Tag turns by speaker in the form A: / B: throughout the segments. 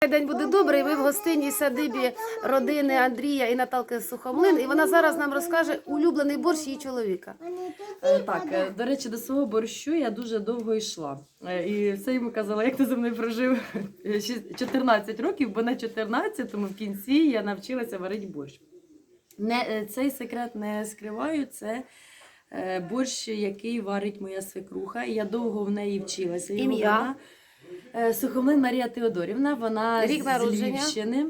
A: День буде добрий. Ми в гостинній садибі родини Андрія і Наталки Сухомлин. І вона зараз нам розкаже улюблений борщ її чоловіка.
B: Так, до речі, до свого борщу я дуже довго йшла. І все йому казала, як ти зі мною прожив 14 років, бо на 14-му в кінці я навчилася варити борщ. Цей секрет не скриваю, це борщ, який варить моя свекруха. І я довго в неї вчилася.
A: Ім'я?
B: Сухомлин Марія Теодорівна, вона
A: Рік
B: з
A: народження?
B: Львівщини,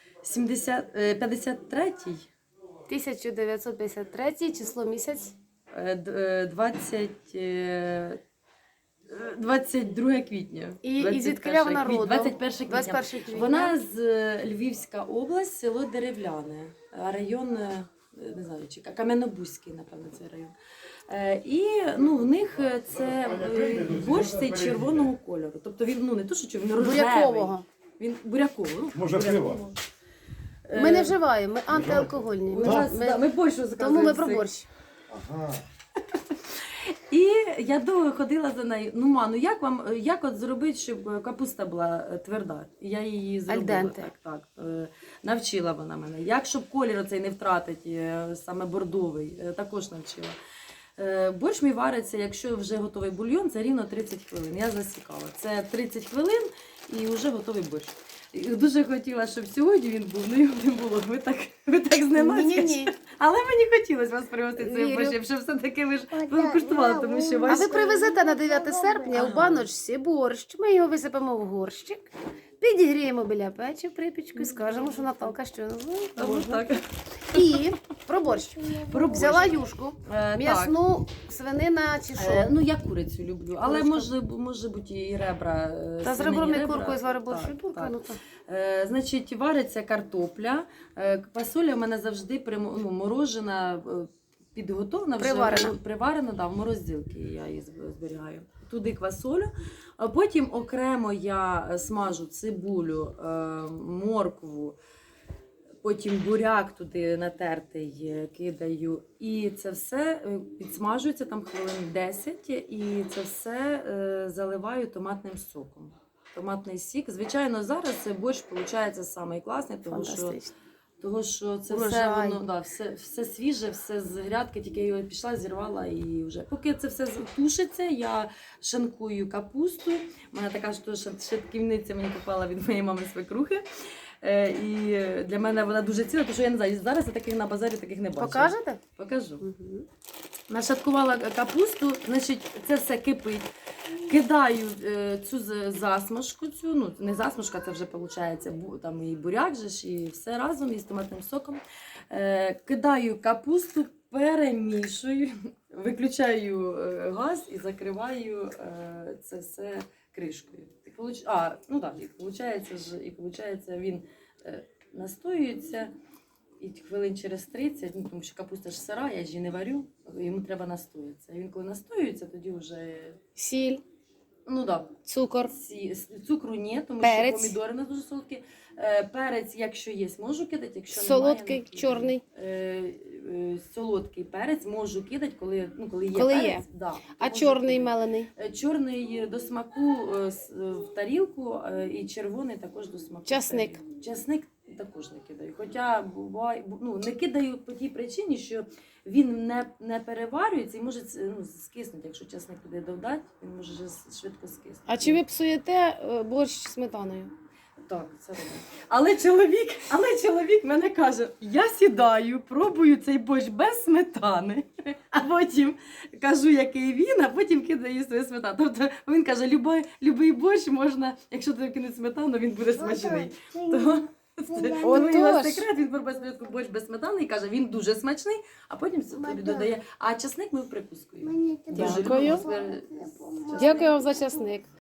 B: 53-й.
A: 1953, число місяць.
B: 22 квітня.
A: І звідкиля вона родом?
B: 21 квітня.
A: 21 квітня.
B: Вона з Львівська область, село Деревляне, район, не знаю, чи Кам'янобузький, напевно, цей район. І в них це борщ цей червоного кольору. Тобто він не то, що червоний, він рожевий.
A: Бурякового.
B: Він буряковий.
C: Може, пиво?
A: Ми не вживаємо, ми антиалкогольні.
B: Ми борщ
A: Тому
B: заказуємо.
A: ми про борщ.
C: Ага.
B: І я довго ходила за нею. Як от зробити, щоб капуста була тверда? Я її зробила.
A: Альденте.
B: Так. Навчила вона мене. Як, щоб колір оцей не втратити, саме бордовий, також навчила. Борщ мій вариться, якщо вже готовий бульйон, це рівно 30 хвилин. Я засікала. Це 30 хвилин і вже готовий борщ. І дуже хотіла, щоб сьогодні він був, але його не було. Ви так зненацька.
A: Ні.
B: Але мені хотілося вас привезти цей
A: Вірю.
B: борщ, щоб все-таки ви ж покуштували, тому що
A: А
B: ваш...
A: ви привезете на 9 серпня у баночці борщ. Ми його висипемо в горщик, підігріємо біля печі припічку і скажемо, що Наталка що
B: Тому так.
A: І про борщ.
B: Про борщ.
A: Взяла юшку,
B: Так.
A: м'ясну, свинина чи що.
B: Я курицю люблю, але
A: Курочка.
B: може бути і ребра.
A: Та з
B: свинині
A: ребром і
B: ребра.
A: куркою звари борщ.
B: Так,
A: Дурка,
B: так.
A: ну то.
B: Значить, вариться картопля. Квасоля в мене завжди морожена, підготовлена, вже приварена, да, в морозилці я її зберігаю. Туди квасолю. А потім окремо я смажу цибулю, моркву, потім буряк туди натертий кидаю. І це все підсмажується там хвилин 10, і це все заливаю томатним соком. Томатний сік. Звичайно, зараз борщ виходить самий класний, тому що це все свіже, все з грядки, тільки я пішла, зірвала і вже. Поки це все тушиться, я шинкую капусту. У мене така ж шатківниця мені попала від моєї мами свекрухи. І для мене вона дуже ціла, тому що я не знаю, зараз я таких на базарі таких не бачила.
A: Покажете?
B: Покажу.
A: Угу.
B: Нашаткувала капусту, значить, це все кипить. Кидаю цю засмажку, не засмажка, це вже виходить, там і буряк же ж, і все разом із томатним соком. Кидаю капусту, перемішую, виключаю газ і закриваю це все кришкою. І виходить, він настоюється. І хвилин через 30, тому що капуста ж сира, я ж її не варю, йому треба настоїтися. Він коли настоюється, тоді вже...
A: Сіль, цукор.
B: Цукру ні, тому
A: Перець.
B: що помідори у нас дуже солодкі. Перець, якщо є, можу кидати, якщо
A: Солодкий,
B: немає,
A: чорний.
B: Солодкий перець можу кидати, коли є
A: Коли
B: перець.
A: є.
B: Да,
A: А
B: можу
A: чорний
B: кидати.
A: мелений?
B: Чорний до смаку в тарілку і червоний також до смаку.
A: Часник.
B: В тарілку. Часник також не кидаю. Хоча буває, не кидаю по тій причині, що він не переварюється і може скиснути. Якщо часник туди додати, він може швидко скиснути.
A: А чи ви псуєте борщ сметаною?
B: Так, це робить. Але чоловік мене каже, я сідаю, пробую цей борщ без сметани, а потім кажу, який він, а потім кидаю свою сметану. Тобто він каже, любий борщ можна, якщо туди кинуть сметану, він буде смачний. Тому його секрет, він пробує спочатку борщ без сметани і каже, він дуже смачний, а потім собі додає. А часник ми в прикуску.
A: Дякую. Дякую вам за часник.